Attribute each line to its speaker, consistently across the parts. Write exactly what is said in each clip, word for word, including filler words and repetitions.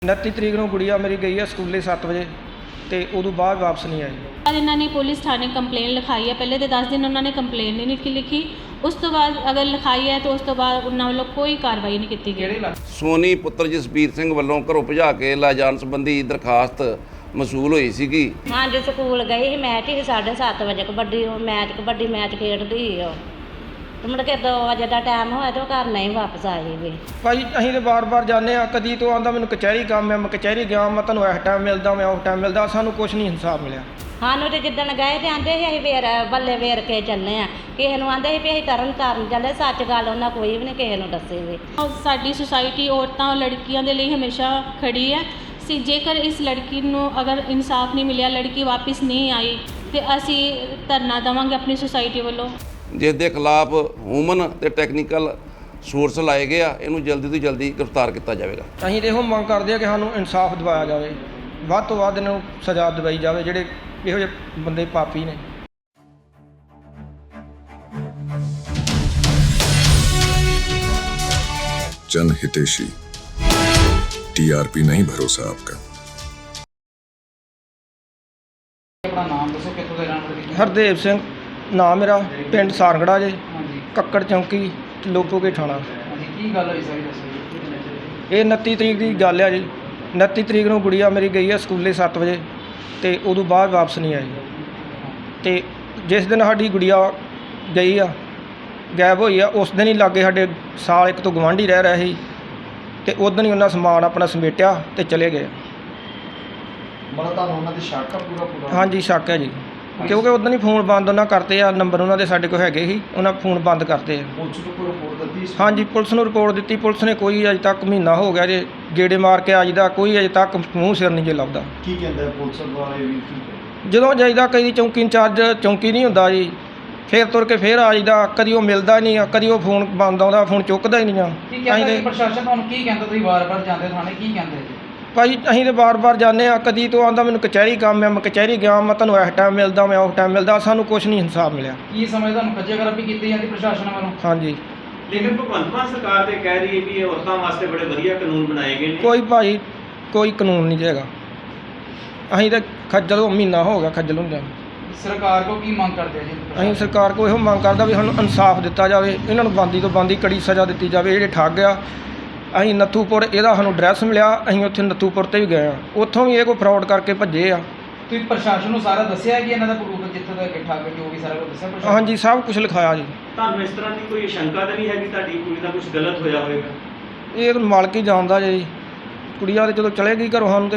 Speaker 1: उनतीस तरीक ਨੂੰ ਗੁੜੀਆ ਮੇਰੀ ਗਈ ਹੈ ਸਕੂਲੇ ਸੱਤ ਵਜੇ ਤੇ ਉਦੋਂ ਬਾਅਦ ਵਾਪਸ ਨਹੀਂ ਆਈ।
Speaker 2: बाद इन्होंने पुलिस थाने कंप्लेन लिखाई है। पहले तो दस दिन उन्होंने कंप्लेन नहीं लिखी लिखी उस तो बाद अगर लिखाई है तो उस तो बाद उन्होंने वालों कोई कार्रवाई नहीं की गई।
Speaker 3: ਸੋਨੀ ਪੁੱਤਰ ਜਸਬੀਰ ਸਿੰਘ ਵੱਲੋਂ ਘਰੋਂ ਭਜਾ ਕੇ ਲੈ ਜਾਣ ਸੰਬੰਧੀ ਦਰਖਾਸਤ ਮਸੂਲ ਹੋਈ ਸੀਗੀ।
Speaker 4: हाँ जी स्कूल गई ही मैच ही साढ़े सत्त बजे कबड्डी मैच कबड्डी मैच खेडदी ही ਉਹ ਤੇ ਮੁੜ ਕੇ ਦੋ ਵਜੇ ਦਾ ਟਾਈਮ ਹੋਇਆ ਤੇ ਉਹ ਘਰ ਨਹੀਂ ਵਾਪਸ ਆਈ ਵੀ।
Speaker 1: ਭਾਈ ਅਸੀਂ ਤੇ ਬਾਰ-ਬਾਰ ਜਾਂਦੇ ਆ, ਕਦੀ ਤੋਂ ਆਂਦਾ ਮੈਨੂੰ ਕਚਹਿਰੀ ਕੰਮ ਹੈ, ਮੈਂ ਕਚਹਿਰੀ ਗਿਆ, ਮੈਂ ਤੁਹਾਨੂੰ ਇਸ ਟਾਈਮ ਮਿਲਦਾ, ਮੈਂ ਉਸ ਟਾਈਮ ਮਿਲਦਾ, ਸਾਨੂੰ ਕੁਝ ਨਹੀਂ ਇਨਸਾਫ ਮਿਲਿਆ।
Speaker 4: ਸਾਨੂੰ ਤੇ ਜਿੱਦਣ ਗਏ ਤੇ ਆਂਦੇ ਸੀ ਅਸੀਂ ਵੇਰ ਬੱਲੇ ਵੇਰ ਕੇ ਚੱਲੇ ਆ, ਕਿਸੇ ਨੂੰ ਆਂਦੇ ਸੀ ਵੀ ਅਸੀਂ ਤਰਨ ਤਾਰਨ ਚੱਲੇ, ਸੱਚ ਗੱਲ ਉਹਨਾਂ ਕੋਈ ਵੀ ਨਹੀਂ ਕਿਸੇ ਨੂੰ ਦੱਸੀ ਵੀ।
Speaker 2: ਸਾਡੀ ਸੁਸਾਇਟੀ ਔਰਤਾਂ ਲੜਕੀਆਂ ਦੇ ਲਈ ਹਮੇਸ਼ਾ ਖੜੀ ਹੈ ਸੀ। ਜੇਕਰ ਇਸ ਲੜਕੀ ਨੂੰ ਅਗਰ ਇਨਸਾਫ ਨਹੀਂ ਮਿਲਿਆ, ਲੜਕੀ ਵਾਪਸ ਨਹੀਂ ਆਈ ਤੇ ਅਸੀਂ ਧਰਨਾ ਦੇਵਾਂਗੇ ਆਪਣੀ ਸੁਸਾਇਟੀ ਵੱਲੋਂ,
Speaker 3: ਜਿਸ ਦੇ ਖਿਲਾਫ ਹਿਊਮਨ ਤੇ ਟੈਕਨੀਕਲ ਸੋਰਸ ਲਾਏ ਗਏ ਆ, ਇਹਨੂੰ ਜਲਦੀ ਤੋਂ ਜਲਦੀ ਗ੍ਰਿਫਤਾਰ ਕੀਤਾ ਜਾਵੇਗਾ।
Speaker 1: ਅਸੀਂ ਤੇ ਇਹੋ ਮੰਗ ਕਰਦੇ ਆ ਕਿ ਸਾਨੂੰ ਇਨਸਾਫ ਦਿਵਾਇਆ ਜਾਵੇ, ਵੱਧ ਤੋਂ ਵੱਧ ਇਹਨਾਂ ਨੂੰ ਸਜ਼ਾ ਦਿਵਾਈ ਜਾਵੇ ਜਿਹੜੇ ਇਹੋ ਜਿਹੇ ਬੰਦੇ ਪਾਪੀ ਨੇ।
Speaker 5: जन हितेशी टीआरपी नहीं भरोसा आपका।
Speaker 6: अपना नाम दसो, कित्थों दे रहण वाले?
Speaker 1: ਹਰਦੇਵ ਸਿੰਘ ਨਾਮ ਮੇਰਾ, ਪਿੰਡ ਸਾਰਗੜਾ ਜੇ, ਕੱਕੜ ਚੌਂਕੀ ਲੋਪੋਕੇ ਥਾਣਾ।
Speaker 6: ਕੀ ਗੱਲ ਹੋਈ ਸਾਰੀ ਦੱਸੋ।
Speaker 1: ਇਹ ਉਨੱਤੀ ਤਰੀਕ ਦੀ ਗੱਲ ਆ ਜੀ। ਉਨੱਤੀ ਤਰੀਕ ਨੂੰ ਗੁੜੀਆ ਮੇਰੀ ਗਈ ਹੈ ਸਕੂਲੇ ਸੱਤ ਵਜੇ ਤੇ ਉਦੋਂ ਬਾਅਦ ਵਾਪਸ ਨਹੀਂ ਆਈ। ਤੇ ਜਿਸ ਦਿਨ ਸਾਡੀ ਗੁੜੀਆ ਗਈ ਆ, ਗਾਇਬ ਹੋਈ ਆ, ਉਸ ਦਿਨ ਹੀ ਲਾਗੇ ਸਾਡੇ ਸਾਲ ਇੱਕ ਤੋਂ ਗਵਾਂਢੀ ਰਹਿ ਰਿਹਾ ਸੀ ਤੇ ਉਸ ਦਿਨ ਹੀ ਉਹਨਾਂ ਸਮਾਨ ਆਪਣਾ ਸਮੇਟਿਆ ਤੇ ਚਲੇ ਗਏ।
Speaker 6: ਮਤਲਬ ਤੁਹਾਨੂੰ ਉਹਨਾਂ ਦੀ ਸ਼ੱਕ ਆ ਪੂਰਾ ਪੂਰਾ?
Speaker 1: ਹਾਂਜੀ ਸ਼ੱਕ ਹੈ ਜੀ, ਕਿਉਂਕਿ ਉਸ ਦਿਨ ਹੀ ਫੋਨ ਬੰਦ ਉਹਨਾਂ ਕਰਤੇ ਆ, ਨੰਬਰ ਉਹਨਾਂ ਦੇ ਸਾਡੇ ਕੋਲ ਹੈਗੇ ਸੀ, ਉਹਨਾਂ ਫੋਨ ਬੰਦ ਕਰਤੇ ਆ।
Speaker 6: ਪੁਲਿਸ ਨੂੰ ਕੋਈ ਰਿਪੋਰਟ ਦਿੱਤੀ?
Speaker 1: ਹਾਂਜੀ ਪੁਲਿਸ ਨੂੰ ਰਿਪੋਰਟ ਦਿੱਤੀ, ਪੁਲਿਸ ਨੇ ਕੋਈ ਅਜੇ ਤੱਕ ਮਹੀਨਾ ਹੋ ਗਿਆ ਜੇ ਗੇੜੇ ਮਾਰ ਕੇ ਆਜਦਾ, ਕੋਈ ਅਜੇ ਤੱਕ ਮੂੰਹ ਸਿਰ ਨਹੀਂ ਜੇ ਲੱਭਦਾ।
Speaker 6: ਕੀ ਕਹਿੰਦੇ ਪੁਲਿਸ ਵਾਲੇ ਵੀ? ਕੀ
Speaker 1: ਜਦੋਂ ਜਾਈਦਾ ਕਈ ਚੌਂਕੀ ਇੰਚਾਰਜ ਚੌਂਕੀ ਨਹੀਂ ਹੁੰਦਾ ਜੀ, ਫਿਰ ਤੁਰ ਕੇ ਫਿਰ ਆ ਜਾਈਦਾ, ਕਦੀ ਉਹ ਮਿਲਦਾ ਨਹੀਂ ਆ, ਕਦੀ ਉਹ ਫੋਨ ਬੰਦ ਆਉਂਦਾ, ਫੋਨ ਚੁੱਕਦਾ ਹੀ ਨਹੀਂ ਆ।
Speaker 6: ਕੀ ਕਹਿੰਦੇ ਪ੍ਰਸ਼ਾਸਨ ਤੁਹਾਨੂੰ? ਕੀ ਕਹਿੰਦਾ ਤੁਸੀਂ ਵਾਰ-ਵਾਰ ਜਾਂਦੇ ਥਾਣੇ, ਕੀ ਕਹਿੰਦੇ ਜੀ?
Speaker 1: ਭਾਈ ਅਸੀਂ ਤੇ ਬਾਰ-ਬਾਰ ਜਾਂਦੇ ਆ, ਕਦੀ ਤੋਂ ਆਂਦਾ ਮੈਨੂੰ ਕਚਹਿਰੀ ਕੰਮ ਹੈ, ਮੈਂ ਕਚਹਿਰੀ ਗਿਆ, ਮੈਂ ਤੁਹਾਨੂੰ ਇਸ ਟਾਈਮ ਮਿਲਦਾ, ਮੈਂ ਉਸ ਟਾਈਮ ਮਿਲਦਾ, ਸਾਨੂੰ ਕੁਝ ਨਹੀਂ ਇਨਸਾਫ ਮਿਲਿਆ।
Speaker 6: ਕੀ ਸਮਝ ਤੁਹਾਨੂੰ ਖੱਜੇਗਰਾਬੀ ਕੀਤੀ ਜਾਂਦੀ ਪ੍ਰਸ਼ਾਸਨ ਵੱਲੋਂ?
Speaker 1: ਹਾਂਜੀ
Speaker 7: ਲੇਕਿਨ ਭਗਵੰਤ ਮਾਨ ਸਰਕਾਰ ਤੇ ਕਹਿ ਰਹੀ ਹੈ ਵੀ ਇਹ ਔਰਤਾਂ ਵਾਸਤੇ ਬੜੇ ਵਧੀਆ ਕਾਨੂੰਨ ਬਣਾਏ ਗਏ ਨੇ।
Speaker 1: ਕੋਈ ਭਾਈ ਕੋਈ ਕਾਨੂੰਨ ਨਹੀਂ ਹੈਗਾ, ਅਸੀਂ ਤਾਂ ਖੱਜਲ ਹੋ ਮਹੀਨਾ ਹੋ ਗਿਆ ਖੱਜਲ ਹੁੰਦਿਆਂ।
Speaker 6: ਸਰਕਾਰ ਕੋ ਕੀ ਮੰਗ ਕਰਦੇ ਆ ਜੀ?
Speaker 1: ਅਸੀਂ ਸਰਕਾਰ ਕੋਲ ਇਹੋ ਮੰਗ ਕਰਦਾ ਵੀ ਸਾਨੂੰ ਇਨਸਾਫ ਦਿੱਤਾ ਜਾਵੇ, ਇਹਨਾਂ ਨੂੰ ਬੰਦੀ ਤੋਂ ਬੰਦੀ ਕੜੀ ਸਜ਼ਾ ਦਿੱਤੀ ਜਾਵੇ। ਜਿਹੜੇ ਠੱਗ ਆ, ਅਸੀਂ ਨੱਥੂਪੁਰ ਇਹਦਾ ਸਾਨੂੰ ਐਡਰੈਸ ਮਿਲਿਆ, ਅਸੀਂ ਉੱਥੇ ਨੱਥੂਪੁਰ 'ਤੇ ਵੀ ਗਏ ਹਾਂ, ਉੱਥੋਂ ਵੀ ਇਹ ਕੋਈ ਫਰਾਡ ਕਰਕੇ ਭੱਜੇ ਆ।
Speaker 6: ਤੁਸੀਂ ਪ੍ਰਸ਼ਾਸਨ ਨੂੰ ਸਾਰਾ ਦੱਸਿਆ ਕਿ ਇਹਨਾਂ ਦਾ ਪ੍ਰੂਫ ਜਿੱਥੋਂ ਦਾ ਠੱਗ ਜੋ ਵੀ ਸਾਰਾ ਕੁਝ ਦੱਸਿਆ ਪ੍ਰਸ਼ਾਸਨ?
Speaker 1: ਹਾਂਜੀ ਸਭ ਕੁਝ ਲਿਖਾਇਆ ਜੀ।
Speaker 7: ਤੁਹਾਨੂੰ ਇਸ ਤਰ੍ਹਾਂ ਦੀ ਕੋਈ ਸ਼ੰਕਾ ਤਾਂ ਨਹੀਂ ਹੈਗੀ ਤੁਹਾਡੀ ਕੁੜੀ ਦਾ ਕੁਝ ਗਲਤ ਹੋਇਆ ਹੋਵੇਗਾ?
Speaker 1: ਇਹ ਤਾਂ ਮਾਲਕ ਹੀ ਜਾਣਦਾ ਜੀ। ਕੁੜੀਆਂ ਤੇ ਜਦੋਂ ਚਲੇ ਗਈ ਘਰੋਂ ਸਾਨੂੰ ਤੇ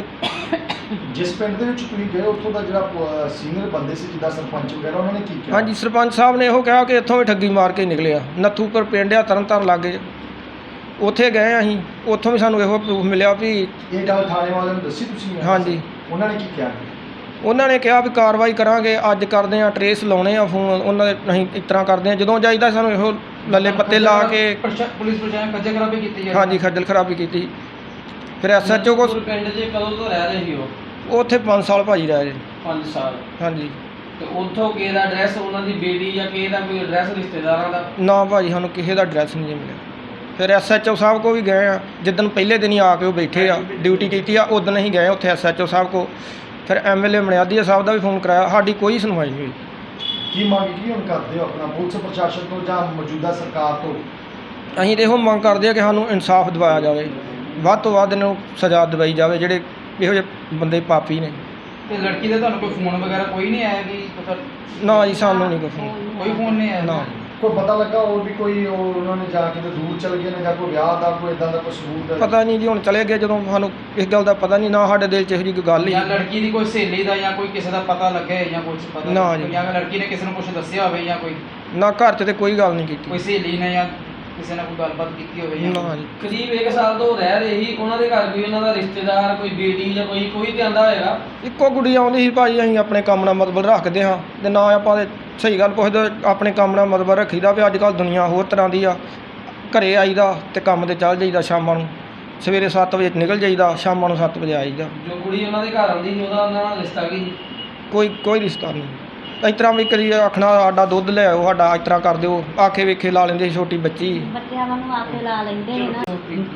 Speaker 8: ਜਿਸ ਪਿੰਡ ਦੇ ਵਿੱਚ ਤੁਸੀਂ ਗਏ ਉੱਥੋਂ ਦਾ ਜਿਹੜਾ ਸੀਨੀਅਰ ਬੰਦੇ ਸੀ ਜਿੱਦਾਂ ਸਰਪੰਚ ਵਗੈਰਾ, ਉਹਨਾਂ ਨੇ ਕੀ ਕਿਹਾ?
Speaker 1: ਹਾਂਜੀ ਸਰਪੰਚ ਸਾਹਿਬ ਨੇ ਇਹੋ ਕਿਹਾ ਕਿ ਇੱਥੋਂ ਵੀ ਠੱਗੀ ਮਾਰ ਕੇ ਨਿਕਲਿਆ। ਨੱਥੂਪੁਰ ਪਿੰਡ ਆ ਤਰਨ ਤਾਰਨ ਲਾਗੇ, ਉੱਥੇ ਗਏ ਅਸੀਂ, ਉੱਥੋਂ ਵੀ ਸਾਨੂੰ ਇਹੋ ਪ੍ਰੂਫ ਮਿਲਿਆ ਵੀ
Speaker 8: ਇਹ ਗੱਲ ਥਾਣੇ ਵਾਲਿਆਂ ਨੂੰ ਦੱਸੀ ਤੁਸੀਂ?
Speaker 1: ਹਾਂਜੀ
Speaker 8: ਉਹਨਾਂ ਨੇ ਕੀ ਕਿਹਾ?
Speaker 1: ਉਹਨਾਂ ਨੇ ਕਿਹਾ ਵੀ ਕਾਰਵਾਈ ਕਰਾਂਗੇ, ਅੱਜ ਕਰਦੇ ਆ, ਟਰੇਸ ਲਾਉਣੇ ਆ ਫੋਨ ਉਹਨਾਂ ਦੇ, ਅਸੀਂ ਇਸ ਤਰ੍ਹਾਂ ਕਰਦੇ ਆ। ਜਦੋਂ ਜਾਈਦਾ ਸਾਨੂੰ ਇਹੋ ਲੱਲੇ ਪੱਤੇ ਲਾ ਕੇ
Speaker 6: ਪੁਲਿਸ ਪ੍ਰਸ਼ਾਸਨ ਖੱਜੇਗਰਾਬੀ ਕੀਤੀ ਜਾਂਦੀ?
Speaker 1: ਹਾਂਜੀ ਖੱਜਲ ਖਰਾਬੀ ਕੀਤੀ। ਫਿਰ ਐਸ ਐਚ ਓ ਕੋਲ
Speaker 6: ਪਿੰਡ 'ਚ ਕਦੋਂ ਤੋਂ ਰਹਿ ਰਹੇ ਸੀ ਉਹ?
Speaker 1: ਉੱਥੇ ਪੰਜ ਸਾਲ ਭਾਜੀ ਰਹੇ ਜੀ।
Speaker 6: ਪੰਜ ਸਾਲ?
Speaker 1: ਹਾਂਜੀ।
Speaker 6: ਤੇ ਉੱਥੋਂ ਕਿਸੇ ਦਾ ਐਡਰੈਸ, ਉਹਨਾਂ ਦੀ ਬੇਟੀ ਜਾਂ ਕਿਸੇ ਦਾ ਕੋਈ ਐਡਰੈਸ ਰਿਸ਼ਤੇਦਾਰਾਂ ਦਾ?
Speaker 1: ਨਾ ਭਾਜੀ ਸਾਨੂੰ ਕਿਸੇ ਦਾ ਐਡਰੈਸ ਨਹੀਂ ਜੀ ਮਿਲਿਆ। ਫਿਰ ਐਸ ਐਚ ਓ ਸਾਹਿਬ ਕੋਲ ਵੀ ਗਏ ਆ, ਜਿੱਦਣ ਪਹਿਲੇ ਦਿਨ ਹੀ ਆ ਕੇ ਉਹ ਬੈਠੇ ਆ, ਡਿਊਟੀ ਕੀਤੀ ਆ, ਉਦੋਂ ਅਸੀਂ ਗਏ ਉੱਥੇ ਐਸ ਐਚ ਓ ਸਾਹਿਬ ਕੋਲ। ਫਿਰ ਐਮ ਐਲ ਏ ਮਣਿਆਦੀਆ ਸਾਹਿਬ ਦਾ ਵੀ ਫੋਨ ਕਰਾਇਆ, ਸਾਡੀ ਕੋਈ ਸੁਣਵਾਈ ਨਹੀਂ ਹੋਈ।
Speaker 8: ਕੀ ਮੰਗ ਕੀ ਹੁਣ ਕਰਦੇ ਹੋ ਆਪਣਾ ਪੁਲਿਸ ਪ੍ਰਸ਼ਾਸਨ ਤੋਂ ਜਾਂ ਮੌਜੂਦਾ ਸਰਕਾਰ ਤੋਂ?
Speaker 1: ਅਸੀਂ ਤਾਂ ਇਹੋ ਮੰਗ ਕਰਦੇ ਆ ਕਿ ਸਾਨੂੰ ਇਨਸਾਫ ਦਿਵਾਇਆ ਜਾਵੇ, ਵੱਧ ਤੋਂ ਵੱਧ ਇਹਨਾਂ ਨੂੰ ਸਜ਼ਾ ਦਿਵਾਈ ਜਾਵੇ ਜਿਹੜੇ ਇਹੋ ਜਿਹੇ ਬੰਦੇ ਪਾਪੀ ਨੇ।
Speaker 6: ਤੇ ਲੜਕੀ ਦਾ ਤੁਹਾਨੂੰ ਕੋਈ ਫੋਨ ਵਗੈਰਾ ਕੋਈ ਨਹੀਂ ਆਇਆ ਕਿ ਪਤਾ?
Speaker 1: ਨਾ ਜੀ ਸਾਨੂੰ ਨਹੀਂ ਕੋਈ ਫੋਨ,
Speaker 6: ਕੋਈ ਫੋਨ ਨਹੀਂ ਆਇਆ?
Speaker 1: ਨਾ।
Speaker 8: ਕੋਈ ਪਤਾ ਲੱਗਾ ਹੋਰ ਵੀ ਕੋਈ ਉਹ ਉਹਨਾਂ ਨੇ ਜਾ ਕੇ ਤੇ ਦੂਰ ਚਲ ਗਏ ਨੇ ਜਾਂ ਕੋਈ ਵਿਆਹ ਦਾ ਕੋਈ ਇਦਾਂ ਦਾ ਕੋਈ ਸਬੂਤ ਹੈ?
Speaker 1: ਪਤਾ ਨਹੀਂ ਜੀ, ਹੁਣ ਚਲੇ ਗਏ ਜਦੋਂ, ਸਾਨੂੰ ਇਸ ਗੱਲ ਦਾ ਪਤਾ ਨਹੀਂ, ਨਾ ਸਾਡੇ ਦਿਲ 'ਚ ਇਹੋ ਜਿਹੀ ਕੋਈ ਗੱਲ ਹੀ।
Speaker 6: ਜਾਂ ਲੜਕੀ ਦੀ ਕੋਈ ਸਹੇਲੀ ਦਾ ਜਾਂ ਕੋਈ ਕਿਸੇ ਦਾ ਪਤਾ ਲੱਗੇ ਜਾਂ ਕੁਝ ਪਤਾ?
Speaker 1: ਨਾ ਜੀ।
Speaker 6: ਜਾਂ ਲੜਕੀ ਨੇ ਕਿਸੇ ਨੂੰ ਕੁਝ ਦੱਸਿਆ ਹੋਵੇ ਜਾਂ ਕੋਈ
Speaker 1: ਨਾ ਘਰ 'ਚ ਤੇ ਕੋਈ ਗੱਲ ਨਹੀਂ ਕੀਤੀ।
Speaker 6: ਕੋਈ ਸਹੇਲੀ ਨੇ ਜਾਂ ਕਿਸੇ ਨਾਲ ਕੋਈ ਗੱਲਬਾਤ ਕੀਤੀ ਹੋਵੇ?
Speaker 1: ਨਾ ਜੀ।
Speaker 9: ਕਰੀਬ ਇੱਕ ਸਾਲ ਤੋਂ ਰਹਿ ਰਹੇ ਸੀ, ਉਹਨਾਂ ਦੇ ਘਰ ਕੋਈ ਉਹਨਾਂ ਦਾ ਰਿਸ਼ਤੇਦਾਰ, ਕੋਈ ਬੇਟੀ ਜਾਂ ਕੋਈ ਕੋਈ ਤੇ ਆਂਦਾ ਹੋਏਗਾ?
Speaker 1: ਇੱਕੋ ਗੁੱਡੀ ਆਉਂਦੀ ਸੀ ਭਾਜੀ, ਅਸੀਂ ਆਪਣੇ ਕੰਮ ਨਾਲ ਮਤਲਬ ਰੱਖਦੇ ਹਾਂ ਤੇ ਨਾ ਆਪਾਂ ਦੇ ਸਹੀ ਗੱਲ ਪੁੱਛਦੇ, ਆਪਣੇ ਕੰਮ ਨਾਲ ਮਤਲਬ ਰੱਖੀਦਾ ਵੀ ਅੱਜ ਕੱਲ੍ਹ ਦੁਨੀਆ ਹੋਰ ਤਰ੍ਹਾਂ ਦੀ ਆ। ਘਰੇ ਆਈਦਾ ਤੇ ਕੰਮ ਤੇ ਚੱਲ ਜਾਈਦਾ, ਸ਼ਾਮਾਂ ਨੂੰ ਸਵੇਰੇ ਸੱਤ ਵਜੇ ਨਿਕਲ ਜਾਈਦਾ, ਸ਼ਾਮਾਂ ਨੂੰ ਸੱਤ ਵਜੇ ਆਈਦਾ।
Speaker 9: ਜੋ ਕੁੜੀ ਉਹਨਾਂ ਦੇ ਘਰ ਆਉਂਦੀ ਸੀ ਉਹਦਾ ਉਹਨਾਂ ਨਾਲ ਰਿਸ਼ਤਾ ਕੀ?
Speaker 1: ਕੋਈ ਕੋਈ ਰਿਸ਼ਤਾ ਨਹੀਂ। ਇਸ ਤਰ੍ਹਾਂ ਵੀ ਕਦੀ ਆਖਣਾ ਸਾਡਾ ਦੁੱਧ ਲੈ ਆਓ, ਸਾਡਾ ਇਸ ਤਰ੍ਹਾਂ ਕਰ ਦਿਓ, ਆਖੇ ਵੇਖੇ ਲਾ ਲੈਂਦੇ ਸੀ, ਛੋਟੀ ਬੱਚੀ।
Speaker 4: ਬੱਚਿਆਂ ਨੂੰ ਆਖੇ ਲਾ ਲੈਂਦੇ ਨੇ ਨਾ।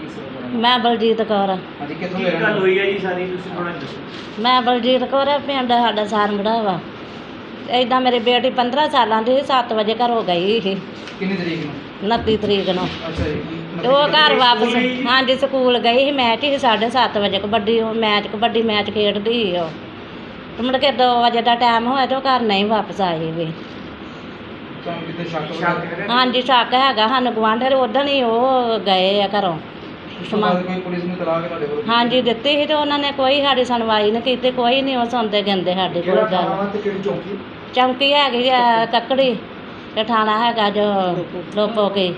Speaker 6: ਦਾ
Speaker 4: ਮੈਂ ਬਲਜੀਤ ਕੌਰ।
Speaker 6: ਹਾਂਜੀ ਕਿੱਥੋਂ
Speaker 7: ਕੀ
Speaker 6: ਦੇ ਰਹਿਣ
Speaker 7: ਗੱਲ
Speaker 6: ਵਾਲੇ?
Speaker 7: ਹੋਈ ਹੈ ਜੀ ਸਾਰੀ, ਤੁਸੀਂ ਥੋੜਾ ਦੱਸੋ।
Speaker 4: ਮੈਂ ਬਲਜੀਤ ਕੌਰ, ਪਿੰਡ ਸਾਡਾ ਸਾਰੰਗੜਾ ਵਾ। ਏਦਾਂ ਮੇਰੀ ਬੇਟੀ ਪੰਦਰਾਂ ਸਾਲਾਂ ਦੀ ਸੀ, ਸੱਤ ਵਜੇ ਘਰੋਂ ਗਈ ਸੀ
Speaker 6: ਕਿੰਨੀ ਤਰੀਕ ਨੂੰ?
Speaker 4: ਉਨੱਤੀ ਤਰੀਕ ਨੂੰ।
Speaker 6: ਅੱਛਾ ਜੀ।
Speaker 4: ਤੇ ਉਹ ਘਰ ਵਾਪਸ, ਹਾਂਜੀ ਸਕੂਲ ਗਈ ਸੀ। ਮੈਚ ਸੀ ਸਾਢੇ ਸੱਤ ਵਜੇ ਕਬੱਡੀ, ਉਹ ਮੈਚ ਕਬੱਡੀ ਮੈਚ ਖੇਡਦੀ ਸੀ ਉਹ। ਤੇ ਮੁੜ ਕੇ ਦੋ ਵਜੇ ਦਾ ਟਾਈਮ ਹੋਇਆ ਤੇ ਉਹ ਘਰ ਨਹੀਂ ਵਾਪਸ ਆਈ ਵੀ।
Speaker 6: ਤੁਹਾਨੂੰ ਕਿਤੇ ਸ਼ੱਕ
Speaker 7: ਸ਼ੱਕ
Speaker 6: ਵਗੈਰਾ?
Speaker 4: ਹਾਂਜੀ ਸ਼ੱਕ ਹੈਗਾ ਸਾਨੂੰ, ਗੁਆਂਢੀ ਉਦੋਂ ਹੀ ਉਹ ਗਏ ਆ ਘਰੋਂ।
Speaker 6: ਉਸ ਤੋਂ ਬਾਅਦ ਕੋਈ ਪੁਲਿਸ ਨੂੰ ਤਲਾਕ ਤੁਹਾਡੇ ਕੋਲ?
Speaker 4: ਹਾਂਜੀ ਦਿੱਤੀ ਸੀ ਤੇ ਉਹਨਾਂ ਨੇ ਕੋਈ ਸਾਡੀ ਸੁਣਵਾਈ ਨਹੀਂ ਕੀਤੀ, ਕੋਈ ਨਹੀਂ ਉਹ ਸੁਣਦੇ ਗਿੰਦੇ ਸਾਡੀ ਕੋਈ
Speaker 8: ਕਿਹੜਾ
Speaker 4: ਗੱਲ।
Speaker 8: ਥਾਣਾ ਵਾ ਤੇ ਕਿਹੜੀ ਚੌਂਕੀ?
Speaker 4: ਚੌਂਕੀ ਹੈਗੀ ਆ ਕੱਕੜੀ ਤੇ ਥਾਣਾ ਹੈਗਾ ਜੋ ਲੋਪੋ ਕੇ।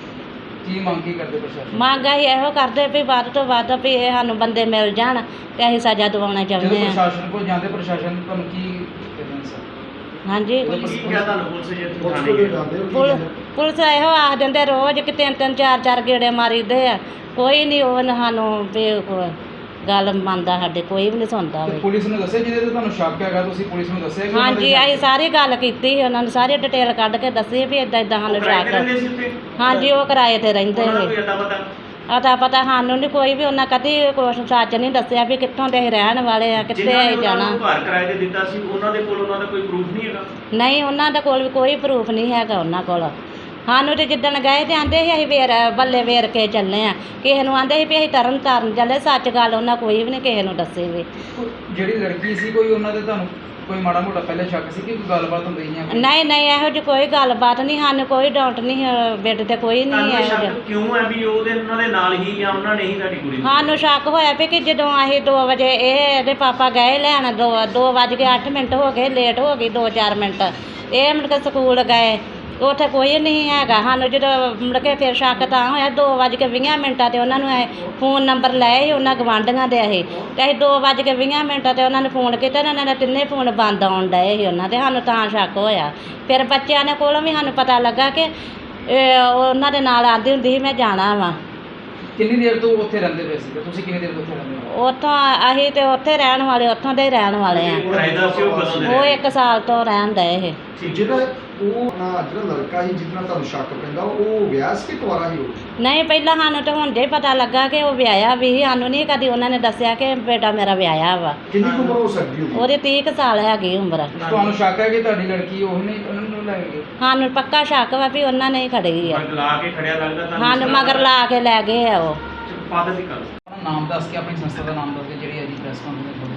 Speaker 6: ਕੀ ਮੰਗ ਕੀ ਕਰਦੇ ਪ੍ਰਸ਼ਾਸਨ?
Speaker 4: ਮੰਗ ਅਸੀਂ ਇਹੋ ਕਰਦੇ ਵੀ ਵੱਧ ਤੋਂ ਵੱਧ ਵੀ ਇਹ ਸਾਨੂੰ ਬੰਦੇ ਮਿਲ ਜਾਣ ਤੇ ਅਸੀਂ ਸਜ਼ਾ ਦਿਵਾਉਣਾ
Speaker 6: ਜਦੋਂ
Speaker 4: ਚਾਹੁੰਦੇ ਹਾਂ।
Speaker 6: ਪ੍ਰਸ਼ਾਸਨ ਕੋਲ ਜਾਂਦੇ ਪ੍ਰਸ਼ਾਸਨ ਤੁਹਾਨੂੰ ਕੀ ਕਹਿੰਦੇ ਸਰ?
Speaker 4: ਹਾਂਜੀ
Speaker 7: ਕੀ ਕਿਹਾ ਤੁਹਾਨੂੰ ਪੁਲਿਸ ਜੇ
Speaker 8: ਪੁਲਿਸ
Speaker 7: ਥਾਣੇ
Speaker 8: ਕੋਲ
Speaker 7: ਗਏ?
Speaker 8: ਜਾਂਦੇ ਹੋ ਕੀ
Speaker 4: ਪੁਲ
Speaker 8: ਕਹਿੰਦੇ?
Speaker 4: ਪੁਲਿਸ ਇਹੋ ਆਖ ਦਿੰਦੇ ਰੋਜ਼ ਕਿ ਤਿੰਨ ਤਿੰਨ ਚਾਰ ਚਾਰ ਗੇੜੇ ਮਾਰੀਦੇ ਆ, ਕੋਈ ਨਹੀਂ ਉਹ ਸਾਨੂੰ ਵੀ ਕੋਈ ਗੱਲ ਮੰਨਦਾ, ਸਾਡੇ ਕੋਈ ਵੀ ਨਹੀਂ ਸੁਣਦਾ
Speaker 6: ਤੇ
Speaker 4: ਵੀ।
Speaker 6: ਪੁਲਿਸ ਨੂੰ ਦੱਸਿਆ ਜਿਹਦੇ ਤੇ ਤੁਹਾਨੂੰ ਸ਼ੱਕ ਹੈਗਾ, ਤੁਸੀਂ ਪੁਲਿਸ ਨੂੰ ਦੱਸਿਆ ਕਿ ਉਹਨਾਂ ਦੇ
Speaker 4: ਹਾਂਜੀ ਅਸੀਂ ਸਾਰੀ ਗੱਲ ਕੀਤੀ ਸੀ ਉਹਨਾਂ ਨੂੰ, ਸਾਰੀ ਡਿਟੇਲ ਕੱਢ ਕੇ ਦੱਸੀ ਵੀ ਇਦਾਂ ਇਦਾਂ ਸਾਨੂੰ
Speaker 7: ਉਹ ਕਿਰਾਏ ਤੇ
Speaker 4: ਸ਼ੱਕ।
Speaker 7: ਰਹਿੰਦੇ ਸੀ ਉੱਥੇ?
Speaker 4: ਹਾਂਜੀ ਉਹ ਕਿਰਾਏ ਤੇ ਰਹਿੰਦੇ
Speaker 7: ਉਹਨਾਂ ਦਾ
Speaker 4: ਸੀ।
Speaker 7: ਕੋਈ ਅਤਾ ਪਤਾ?
Speaker 4: ਅਤਾ ਪਤਾ ਸਾਨੂੰ ਨਹੀਂ ਕੋਈ ਵੀ, ਉਹਨਾਂ ਕਦੀ ਕੁਛ ਸੱਚ ਨਹੀਂ ਦੱਸਿਆ ਵੀ ਕਿੱਥੋਂ ਦੇ ਅਸੀਂ ਰਹਿਣ ਵਾਲੇ ਆ, ਕਿੱਥੇ
Speaker 7: ਜਿਨ੍ਹਾਂ ਨੇ
Speaker 4: ਅਸੀਂ
Speaker 7: ਉਹਨਾਂ
Speaker 4: ਜਾਣਾ।
Speaker 7: ਨੂੰ ਘਰ ਕਿਰਾਏ ਤੇ ਦਿੱਤਾ ਸੀ, ਉਹਨਾਂ ਦੇ ਕੋਲ ਉਹਨਾਂ ਦਾ ਕੋਈ ਪ੍ਰੂਫ ਨਹੀਂ ਹੈਗਾ?
Speaker 4: ਨਹੀਂ ਉਹਨਾਂ ਦੇ ਕੋਲ ਵੀ ਕੋਈ ਪ੍ਰੂਫ ਨਹੀਂ ਹੈਗਾ ਉਹਨਾਂ ਕੋਲ। ਸਾਨੂੰ ਤੇ ਜਿੱਦਣ ਗਏ ਤੇ ਆਂਦੇ ਸੀ ਅਸੀਂ ਵੇਰ ਬੱਲੇ ਵੇਰ ਕੇ ਚੱਲੇ ਆ, ਕਿਸੇ ਨੂੰ ਆਂਦੇ ਸੀ ਵੀ ਅਸੀਂ ਤਰਨ ਤਾਰਨ ਚੱਲੇ, ਸੱਚ ਗੱਲ ਉਹਨਾਂ ਕੋਈ ਵੀ ਨਹੀਂ ਕਿਸੇ ਨੂੰ ਦੱਸੀ ਵੀ।
Speaker 6: ਜਿਹੜੀ ਲੜਕੀ ਸੀ ਕੋਈ ਉਹਨਾਂ ਦੇ ਤੁਹਾਨੂੰ ਕੋਈ ਮਾੜਾ ਮੋਟਾ ਪਹਿਲੇ ਸ਼ੱਕ ਸੀ ਕਿ ਕੋਈ ਗੱਲਬਾਤ ਹੁੰਦੀ ਜਾਂ ਕੋਈ?
Speaker 4: ਨਹੀਂ ਨਹੀਂ ਇਹੋ ਜਿਹੀ ਕੋਈ ਗੱਲਬਾਤ ਨਹੀਂ, ਸਾਨੂੰ ਕੋਈ ਡਾਊਟ ਨਹੀਂ ਅਹ ਬੇਟੇ ਤੇ ਕੋਈ ਨਹੀਂ
Speaker 7: ਤੁਹਾਨੂੰ ਇਹ
Speaker 4: ਇਹੋ ਜਿਹਾ।
Speaker 7: ਸ਼ੱਕ ਕਿਉਂ ਹੈ ਵੀ ਉਹਦੇ ਉਹਨਾਂ ਦੇ ਨਾਲ ਹੀ ਜਾਂ ਉਹਨਾਂ ਨੇ ਹੀ ਸਾਡੀ ਕੁੜੀ ਨੂੰ?
Speaker 4: ਸਾਨੂੰ ਸ਼ੱਕ ਹੋਇਆ ਵੀ ਕਿ ਜਦੋਂ ਅਸੀਂ ਦੋ ਵਜੇ ਇਹ ਇਹਦੇ ਪਾਪਾ ਗਏ ਲੈਣ, ਦੋ ਦੋ ਵੱਜ ਕੇ ਅੱਠ ਮਿੰਟ ਹੋ ਗਏ, ਲੇਟ ਹੋ ਗਈ ਦੋ ਚਾਰ ਮਿੰਟ, ਇਹ ਮੁੜ ਕੇ ਸਕੂਲ ਗਏ, ਉੱਥੇ ਕੋਈ ਨਹੀਂ ਹੈਗਾ। ਸਾਨੂੰ ਜਦੋਂ ਮੁੜ ਕੇ ਫਿਰ ਸ਼ੱਕ ਤਾਂ ਹੋਇਆ, ਦੋ ਵੱਜ ਕੇ ਵੀਹ ਮਿੰਟਾਂ 'ਤੇ ਉਹਨਾਂ ਨੂੰ ਇਹ ਫੋਨ ਨੰਬਰ ਲਏ ਸੀ ਉਹਨਾਂ ਗਵਾਂਢੀਆਂ ਦੇ ਅਸੀਂ, ਅਤੇ ਅਸੀਂ ਦੋ ਵੱਜ ਕੇ ਵੀਹ ਮਿੰਟਾਂ 'ਤੇ ਉਹਨਾਂ ਨੂੰ ਫੋਨ ਕੀਤਾ, ਉਹਨਾਂ ਦੇ ਤਿੰਨੇ ਫੋਨ ਬੰਦ ਆਉਣ ਡਏ ਸੀ ਉਹਨਾਂ ਦੇ, ਸਾਨੂੰ ਤਾਂ ਸ਼ੱਕ ਹੋਇਆ। ਫਿਰ ਬੱਚਿਆਂ ਦੇ ਕੋਲੋਂ ਵੀ ਸਾਨੂੰ ਪਤਾ ਲੱਗਾ ਕਿ ਇਹ ਉਹਨਾਂ ਦੇ ਨਾਲ ਆਉਂਦੀ ਹੁੰਦੀ ਸੀ ਮੈਂ ਜਾਣਾ ਵਾ।
Speaker 6: ਕਿੰਨੀ ਦੇਰ ਤੋਂ ਉੱਥੇ ਰਹਿੰਦੇ ਪਏ ਸੀ ਤੇ ਤੁਸੀਂ ਕਿੰਨੀ ਦੇਰ ਤੋਂ ਉੱਥੇ ਰਹਿੰਦੇ ਹੋ?
Speaker 4: ਉੱਥੋਂ ਅਸੀਂ ਤੇ ਉੱਥੇ ਰਹਿਣ ਵਾਲੇ, ਉੱਥੋਂ ਦੇ ਹੀ ਰਹਿਣ ਵਾਲੇ ਆ।
Speaker 7: ਕਿਰਾਏਦਾਰ ਸੀ ਉਹ ਕਦੋਂ ਦੇ
Speaker 4: ਉਹ
Speaker 7: ਰਹੇ?
Speaker 4: ਇੱਕ ਸਾਲ ਤੋਂ ਰਹਿਣ ਡਏ ਇਹ।
Speaker 8: ਜਿਹੜਾ ਉਹ ਨਾ ਜਿਹੜਾ ਲੜਕਾ ਸੀ ਜਿਹਦੇ ਨਾਲ ਤੁਹਾਨੂੰ ਸ਼ੱਕ ਪੈਂਦਾ, ਉਹ ਵਿਆਹ ਸੀ ਕਿ ਕੁਆਰਾ ਸੀ ਉਹ?
Speaker 4: ਨਹੀਂ ਪਹਿਲਾਂ ਸਾਨੂੰ ਤਾਂ ਹੁਣ ਜੇ ਪਤਾ ਲੱਗਾ ਕਿ ਉਹ ਵਿਆਹਿਆ ਵੀ ਸੀ, ਸਾਨੂੰ ਨਹੀਂ ਕਦੀ ਉਹਨਾਂ ਨੇ ਦੱਸਿਆ ਕਿ ਬੇਟਾ ਮੇਰਾ ਵਿਆਹਿਆ ਵਾ।
Speaker 8: ਕਿੰਨੀ ਕੁ ਉਮਰ ਹੋ ਸਕਦੀ ਉਹਦੀ?
Speaker 4: ਉਹਦੀ ਤੀਹ ਕੁ ਸਾਲ ਹੈਗੀ ਉਮਰ।
Speaker 6: ਤੁਹਾਨੂੰ ਸ਼ੱਕ ਹੈ ਕਿ ਤੁਹਾਡੀ ਲੜਕੀ ਉਹ ਨਹੀਂ ਉਹਨਾਂ ਨੂੰ ਲੈ ਗਏ?
Speaker 4: ਸਾਨੂੰ ਪੱਕਾ ਸ਼ੱਕ ਵਾ ਵੀ ਉਹਨਾਂ ਨੇ ਹੀ ਖੜੀ ਆ।
Speaker 7: ਮਗਰ ਲਾ ਕੇ ਖੜਿਆ ਲੱਗਦਾ ਤੁਹਾਨੂੰ?
Speaker 4: ਸਾਨੂੰ ਮਗਰ ਲਾ ਕੇ ਲੈ ਗਏ ਆ ਉਹ।
Speaker 7: ਫਾਦਰ ਦੀ ਗੱਲ।
Speaker 6: ਆਪਣਾ ਨਾਮ ਦੱਸ ਕੇ ਆਪਣੀ ਸੰਸਥਾ ਦਾ ਨਾਮ ਦੱਸ ਕੇ ਜਿਹੜੀ ਅੱਜ ਪ੍ਰੈਸ ਕਾਨਫਰੰਸ ਹੋਈ।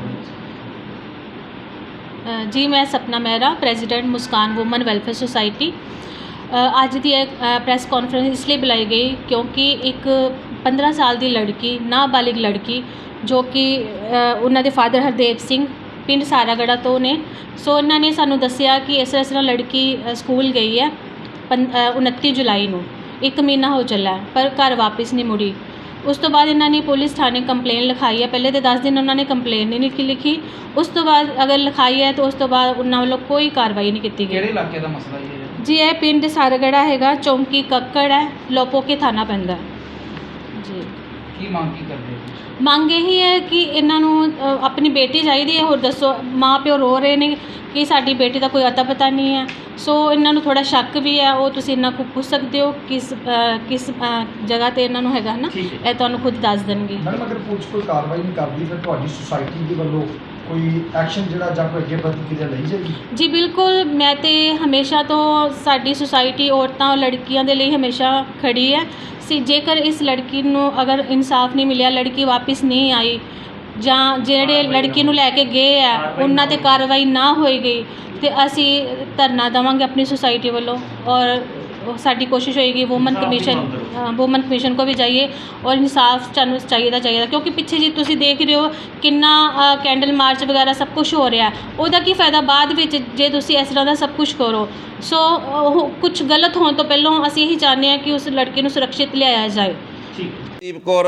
Speaker 2: ਅ, ਜੀ ਮੈਂ Sapna Mehra, president Muskan woman welfare society. ਅ, ਅੱਜ ਦੀ ਇਹ ਪ੍ਰੈਸ ਕਾਨਫਰੰਸ ਇਸ ਲਈ ਬੁਲਾਈ ਗਈ ਕਿਉਂਕਿ ਇੱਕ ਪੰਦਰਾਂ ਸਾਲ ਦੀ ਲੜਕੀ, ਨਾਬਾਲਿਗ ਲੜਕੀ, ਜੋ ਕਿ ਅ, ਉਹਨਾਂ ਦੇ ਫਾਦਰ ਹਰਦੇਵ ਸਿੰਘ ਪਿੰਡ ਸਾਰਾਗੜਾ ਤੋਂ ਨੇ। ਸੋ ਇਹਨਾਂ ਨੇ ਸਾਨੂੰ ਦੱਸਿਆ ਕਿ ਇਸ ਤਰ੍ਹਾਂ ਲੜਕੀ ਅ, ਸਕੂਲ ਗਈ ਹੈ ਪੰ ਅ, ਉਨੱਤੀ ਜੁਲਾਈ ਨੂੰ, ਇੱਕ ਮਹੀਨਾ ਹੋ ਚੱਲਾ ਪਰ ਘਰ ਵਾਪਸ ਨਹੀਂ ਮੁੜੀ। ਉਸ ਤੋਂ ਬਾਅਦ ਇਹਨਾਂ ਨੇ ਪੁਲਿਸ ਥਾਣੇ ਕੰਪਲੇਨ ਲਿਖਾਈ ਹੈ। ਪਹਿਲੇ ਤਾਂ ਦਸ ਦਿਨ ਉਹਨਾਂ ਨੇ ਕੰਪਲੇਨ ਨਹੀਂ ਲਿਖੀ ਲਿਖੀ ਉਸ ਤੋਂ ਬਾਅਦ ਅਗਰ ਲਿਖਾਈ ਹੈ ਤਾਂ ਉਸ ਤੋਂ ਬਾਅਦ ਉਹਨਾਂ ਵੱਲੋਂ ਕੋਈ ਕਾਰਵਾਈ ਨਹੀਂ ਕੀਤੀ
Speaker 6: ਕਿਹੜੇ
Speaker 2: ਗਈ।
Speaker 6: ਇਲਾਕੇ ਦਾ ਮਸਲਾ ਜੀ ਇਹ?
Speaker 2: ਜੀ ਇਹ ਪਿੰਡ ਸਾਰਾਗੜਾ ਹੈਗਾ, ਚੌਂਕੀ ਕੱਕੜ ਹੈ, ਲੋਪੋਕੇ ਥਾਣਾ ਪੈਂਦਾ ਜੀ।
Speaker 6: ਕੀ ਮੰਗ ਕੀ ਕਰਦੇ ਹੋ?
Speaker 2: ਮੰਗ ਇਹੀ ਹੈ ਕਿ ਇਹਨਾਂ ਨੂੰ ਅ, ਆਪਣੀ ਬੇਟੀ ਚਾਹੀਦੀ ਹੈ। ਹੋਰ ਦੱਸੋ, ਮਾਂ ਪਿਓ ਰੋ ਰਹੇ ਨੇ ਕਿ ਸਾਡੀ ਬੇਟੀ ਦਾ ਕੋਈ ਅਤਾ ਪਤਾ ਨਹੀਂ ਹੈ। ਸੋ ਇਹਨਾਂ ਨੂੰ ਥੋੜਾ ਸ਼ੱਕ ਵੀ ਹੈ, ਉਹ ਤੁਸੀਂ ਇਹਨਾਂ ਕੋਲ ਪੁੱਛ ਸਕਦੇ ਹੋ ਕਿਸ ਅ, ਕਿਸ ਅ, ਜਗ੍ਹਾ ਤੇ ਇਹਨਾਂ ਨੂੰ ਹੈਗਾ ਨਾ, ਇਹ ਤੁਹਾਨੂੰ ਖੁਦ ਦੱਸ ਦੇਣਗੇ।
Speaker 8: ਮੈਡਮ ਅਗਰ ਪੁਲਿਸ ਕੋਈ ਕਾਰਵਾਈ ਨਹੀਂ ਕਰਦੀ ਫਿਰ ਤੁਹਾਡੀ ਸੁਸਾਇਟੀ ਦੇ ਵੱਲੋਂ ਕੋਈ ਐਕਸ਼ਨ ਜਿਹੜਾ ਜਾਂ ਕੋਈ ਅੱਗੇ ਪ੍ਰਤੀਕਿਰਿਆ ਲਈ ਜਾਏਗੀ?
Speaker 2: ਜੀ ਬਿਲਕੁਲ, ਮੈਂ ਤੇ ਹਮੇਸ਼ਾ ਤੋਂ ਸਾਡੀ ਸੁਸਾਇਟੀ ਔਰਤਾਂ ਔਰ ਲੜਕੀਆਂ ਦੇ ਲਈ ਹਮੇਸ਼ਾ ਖੜੀ ਹੈ। ਸੀ ਜੇਕਰ ਇਸ ਲੜਕੀ ਨੂੰ ਅਗਰ ਇਨਸਾਫ ਨਹੀਂ ਮਿਲਿਆ, ਲੜਕੀ ਵਾਪਸ ਨਹੀਂ ਆਈ ਜਾਂ ਜਿਹੜੇ ਲੜਕੀ ਨੂੰ ਲੈ ਕੇ ਗਏ ਆ ਉਹਨਾਂ 'ਤੇ ਕਾਰਵਾਈ ਨਾ ਹੋਈ ਗਈ ਤੇ ਅਸੀਂ ਧਰਨਾ ਦੇਵਾਂਗੇ ਆਪਣੀ ਸੁਸਾਇਟੀ ਵੱਲੋਂ। ਔਰ ਸਾਡੀ ਕੋਸ਼ਿਸ਼ ਹੋਏਗੀ ਵੂਮਨ ਕਮਿਸ਼ਨ ਵੂਮਨ ਕਮਿਸ਼ਨ ਕੋ ਵੀ ਜਾਈਏ ਔਰ ਇਨਸਾਫ ਸਾਨੂੰ ਚਾਹੀਦਾ ਚਾਹੀਦਾ ਕਿਉਂਕਿ ਪਿੱਛੇ ਜੀ ਤੁਸੀਂ ਦੇਖ ਰਹੇ ਹੋ ਕਿੰਨਾ ਕੈਂਡਲ ਮਾਰਚ ਵਗੈਰਾ ਸਭ ਕੁਝ ਹੋ ਰਿਹਾ। ਉਹਦਾ ਕੀ ਫਾਇਦਾ ਬਾਅਦ ਵਿੱਚ ਜੇ ਤੁਸੀਂ ਇਸ ਤਰ੍ਹਾਂ ਦਾ ਸਭ ਕੁਝ ਕਰੋ। ਸੋ ਉਹ ਕੁਝ ਗਲਤ ਹੋਣ ਤੋਂ ਪਹਿਲਾਂ ਅਸੀਂ ਇਹੀ ਚਾਹੁੰਦੇ ਹਾਂ ਕਿ ਉਸ ਲੜਕੀ ਨੂੰ ਸੁਰੱਖਿਅਤ ਲਿਆਇਆ ਜਾਏ।
Speaker 3: ਦੀਪ ਕੌਰ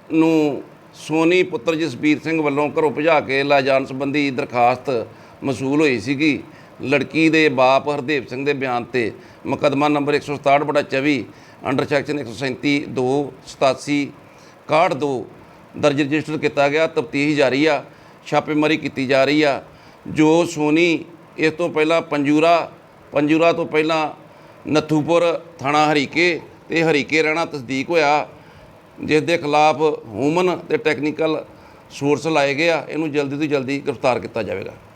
Speaker 3: ਨੂੰ ਸੋਨੀ ਪੁੱਤਰ ਜਸਬੀਰ ਸਿੰਘ ਵੱਲੋਂ ਘਰੋਂ ਭਜਾ ਕੇ ਲੈ ਜਾਣ ਸੰਬੰਧੀ ਦਰਖਾਸਤ ਮਸੂਲ ਹੋਈ ਸੀਗੀ। ਲੜਕੀ ਦੇ ਬਾਪ ਹਰਦੇਵ ਸਿੰਘ ਦੇ ਬਿਆਨ ਤੇ ਮੁਕੱਦਮਾ ਨੰਬਰ ਇੱਕ ਸੌ ਸਤਾਹਠ ਬਟਾ ਚੌਵੀ ਅੰਡਰ ਸੈਕਸ਼ਨ ਇੱਕ ਸੌ ਸੈਂਤੀ ਦੋ ਸਤਾਸੀ ਇਕਾਹਠ ਦੋ ਦਰਜ ਰਜਿਸਟਰ ਕੀਤਾ ਗਿਆ। ਤਫਤੀਸ਼ ਜਾਰੀ ਆ, ਛਾਪੇਮਾਰੀ ਕੀਤੀ ਜਾ ਰਹੀ ਆ। ਜੋ ਸੋਨੀ ਇਸ ਤੋਂ ਪਹਿਲਾਂ ਪੰਜੂਰਾ ਪੰਜੂਰਾ ਤੋਂ ਪਹਿਲਾਂ ਨੱਥੂਪੁਰ ਥਾਣਾ ਹਰੀਕੇ ਤੇ ਹਰੀਕੇ ਰਹਿਣਾ ਤਸਦੀਕ ਹੋਇਆ। ਜਿਸ ਦੇ ਖਿਲਾਫ ਹਿਊਮਨ ਤੇ ਟੈਕਨੀਕਲ ਸੋਰਸ ਲਾਏ ਗਏ ਆ, ਇਹਨੂੰ ਜਲਦੀ ਤੋਂ ਜਲਦੀ ਗ੍ਰਿਫਤਾਰ ਕੀਤਾ ਜਾਵੇਗਾ।